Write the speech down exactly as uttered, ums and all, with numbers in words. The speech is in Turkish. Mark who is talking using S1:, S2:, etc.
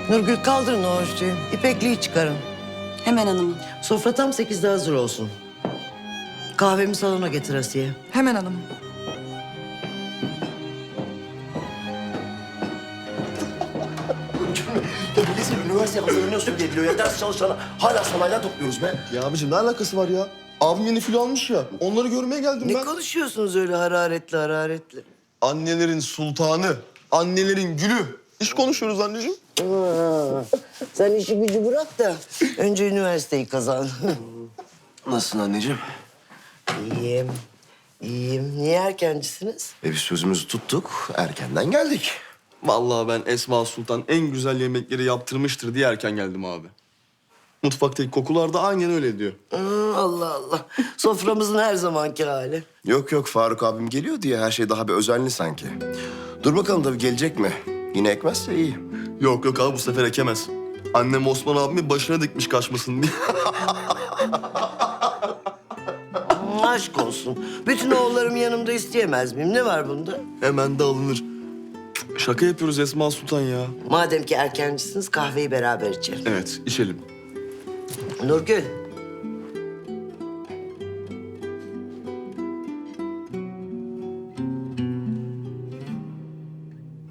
S1: Nurgül kaldırın o örtüyü. İpekliği çıkarın.
S2: Hemen hanımım.
S1: Sofra tam sekizde hazır olsun. Kahvemi salona getir Asiye.
S3: Hemen hanımım.
S4: Ya bilesin üniversiteye hazırlanıyorsun diye biliyor ya. Ders çalışana hala sanayiden topluyoruz be.
S5: Ya abicim ne alakası var ya? Abim yeni filo almış ya. Onları görmeye geldim
S1: Ne
S5: ben.
S1: konuşuyorsunuz öyle hararetli hararetli?
S5: Annelerin sultanı, annelerin gülü. İş konuşuyoruz anneciğim.
S1: Aa, sen işi gücü bırak da önce üniversiteyi kazan.
S4: Nasılsın anneciğim?
S1: İyiyim, iyiyim. Niye erkencisiniz?
S4: E biz sözümüzü tuttuk. Erkenden geldik.
S5: Vallahi ben Esma Sultan en güzel yemekleri yaptırmıştır diye erken geldim abi. Mutfaktaki kokular da aynen öyle diyor.
S1: Hı, Allah Allah. Soframızın her zamanki hali.
S4: Yok yok Faruk abim geliyor diye her şey daha bir özenli sanki. Dur bakalım tabii gelecek mi? Yine ekmezse iyi.
S5: Yok yok abi bu sefer ekemez. Annem Osman abimi başına dikmiş kaçmasın diye.
S1: Hı, aşk olsun. Bütün oğullarım yanımda isteyemez miyim? Ne var bunda?
S5: Hemen de alınır. Şaka yapıyoruz Esma Sultan ya.
S1: Madem ki erkencisiniz kahveyi beraber içelim.
S5: Evet içelim.
S1: Nurgül,